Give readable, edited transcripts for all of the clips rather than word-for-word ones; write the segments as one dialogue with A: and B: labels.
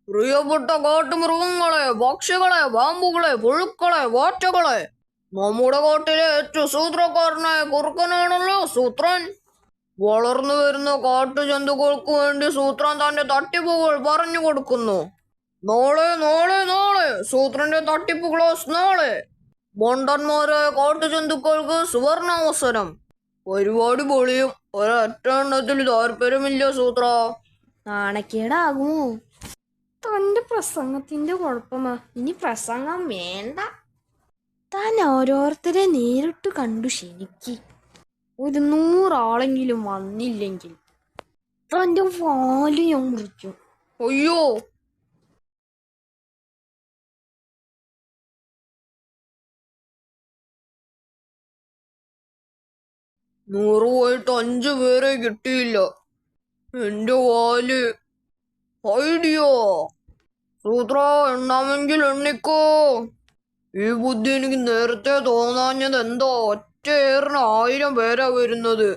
A: പ്രിയപ്പെട്ട കാട്ടുമൃഗങ്ങളെ, പക്ഷികളെ, പാമ്പുകളെ, പുഴുക്കളെ, വാറ്റകളെ, നമ്മുടെ കാട്ടിലെ ഏറ്റവും സൂത്രക്കാരനായ കുറുക്കനാണല്ലോ സൂത്രൻ. വളർന്നു വരുന്ന കാട്ടുജന്തുക്കൾക്ക് വേണ്ടി സൂത്രൻ തന്റെ തട്ടിപ്പുകൾ പറഞ്ഞു കൊടുക്കുന്നു. നാളെ നാളെ നാളെ സൂത്രന്റെ തട്ടിപ്പ് ക്ലാസ് നാളെ. മണ്ടന്മാരായ കാട്ടുജന്തുക്കൾക്ക് സുവർണാവസരം. പരിപാടി പൊളിയും. ഒരൊറ്റ എണ്ണത്തിൽ താല്പര്യമില്ല സൂത്ര.
B: നാണക്കേടാകുമോ? തന്റെ പ്രസംഗത്തിന്റെ കുഴപ്പമാ. ഇനി പ്രസംഗം വേണ്ട. താൻ ഓരോരുത്തരെ നേരിട്ട് കണ്ടു ക്ഷണിക്ക്. 100 ആളെങ്കിലും വന്നില്ലെങ്കിൽ തന്റെ വാല് ഞാൻ മുറിക്കും.
A: അയ്യോ, നൂറ് പോയിട്ട് 5 പേരെ കിട്ടിയില്ല. എന്റെ വാല്. ഐഡിയ. സൂത്ര, എണ്ണാമെങ്കിൽ എണ്ണിക്കോ. ഈ ബുദ്ധി എനിക്ക് നേരത്തെ തോന്നാഞ്ഞത് എന്തോ. ഒറ്റയേറിന് 1000 പേരാ വരുന്നത്.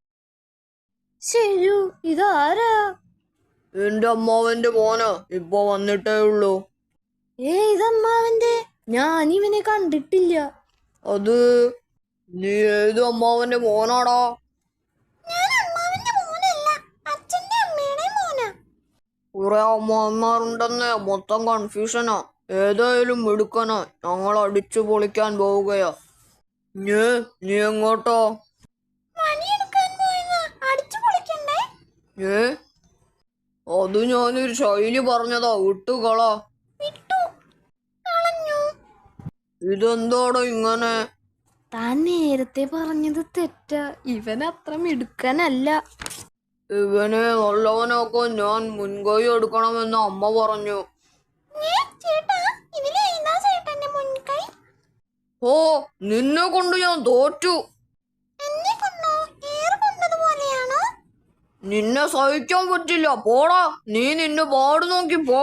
B: ശരി, ഇതാരാ?
A: എന്റെ അമ്മാവന്റെ മോനാ. ഇപ്പൊ വന്നിട്ടേ ഉള്ളൂ.
B: ഇതമ്മാവന്റെ? ഞാൻ ഇവനെ കണ്ടിട്ടില്ല.
A: അത് നീ ഏത് അമ്മാവന്റെ മോനാടാ? കുറെ അമ്മാവന്മാരുണ്ടെന്ന് മൊത്തം കൺഫ്യൂഷനാ. ഏതായാലും മിടുക്കനാ. ഞങ്ങൾ അടിച്ചു പൊളിക്കാൻ പോവുകയാ. നീ എങ്ങോട്ടോ? അത് ഞാനൊരു ശൈലി പറഞ്ഞതാ. വിട്ടുകള. ഇതെന്താടോ ഇങ്ങനെ?
B: താൻ നേരത്തെ പറഞ്ഞത് തെറ്റാ. ഇവൻ അത്ര മിടുക്കനല്ല.
A: ഇവനെ നല്ലവനൊക്കെ ഞാൻ മുൻകൈ എടുക്കണമെന്ന് അമ്മ പറഞ്ഞു. ഓ, നിന്നെ കൊണ്ട് ഞാൻ തോറ്റു. നിന്നെ സഹിക്കാൻ പറ്റില്ല. പോടാ. നീ നിന്റെ പാട് നോക്കി പോ.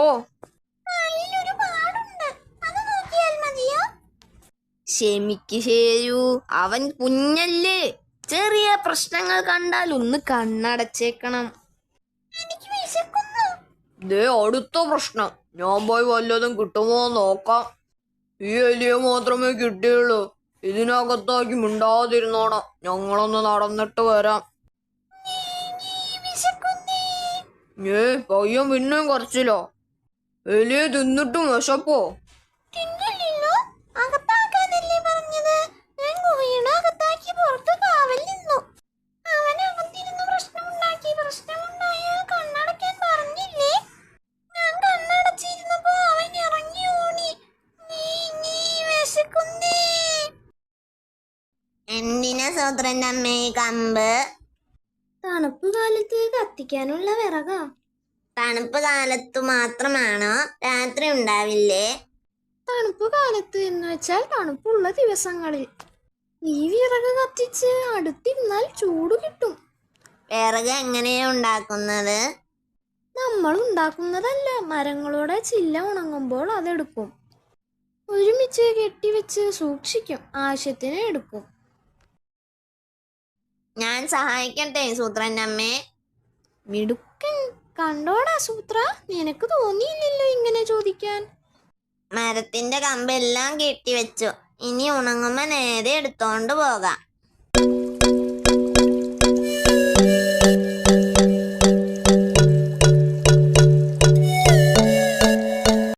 B: ക്ഷമിക്ക് ശരു, അവൻ കുഞ്ഞല്ലേ. ചെറിയ പ്രശ്നങ്ങൾ കണ്ടാൽ ഒന്ന് കണ്ണടച്ചേക്കണം.
A: ദേ അടുത്ത പ്രശ്നം. ഞാൻ പോയി വല്ലതും കിട്ടുമോ നോക്കാം. ഈ എലിയെ മാത്രമേ കിട്ടിയുള്ളൂ. ഇതിനകത്താക്കി മിണ്ടാതിരുന്നോണം. ഞങ്ങളൊന്ന് നടന്നിട്ട് വരാം. പയ്യൻ പിന്നെയും കുറച്ചില്ലോ. എലിയെ തിന്നിട്ടും വിശപ്പോ?
C: എന്തിനാ സൂത്രന്റെ അമ്മേ കമ്പ്?
B: തണുപ്പ് കാലത്ത് കത്തിക്കാനുള്ള വിറകാ.
C: തണുപ്പ് കാലത്തു മാത്രമാണോ? രാത്രി ഉണ്ടാവില്ലേ?
B: തണുപ്പ് കാലത്ത് എന്ന് വെച്ചാൽ തണുപ്പുള്ള ദിവസങ്ങളിൽ. ഈ വിറക് കത്തിച്ച് അടുത്തിരുന്നാൽ ചൂട് കിട്ടും.
C: വിറക് എങ്ങനെയാ ഉണ്ടാക്കുന്നത്?
B: നമ്മൾ ഉണ്ടാക്കുന്നതല്ല, മരങ്ങളുടെ ചില്ല ഉണങ്ങുമ്പോൾ അതെടുക്കും. ഒരുമിച്ച് കെട്ടിവെച്ച് സൂക്ഷിക്കും. ആവശ്യത്തിന് എടുക്കും.
C: ഞാൻ സഹായിക്കട്ടെ സൂത്രന്റെ അമ്മേ?
B: മിടുക്കൻ. കണ്ടോടാ സൂത്ര, നിനക്ക് തോന്നിയില്ലല്ലോ ഇങ്ങനെ ചോദിക്കാൻ.
C: മരത്തിന്റെ കമ്പെല്ലാം കെട്ടിവെച്ചു. ഇനി ഉണങ്ങുമ്പോ നേരെ എടുത്തോണ്ട് പോകാം.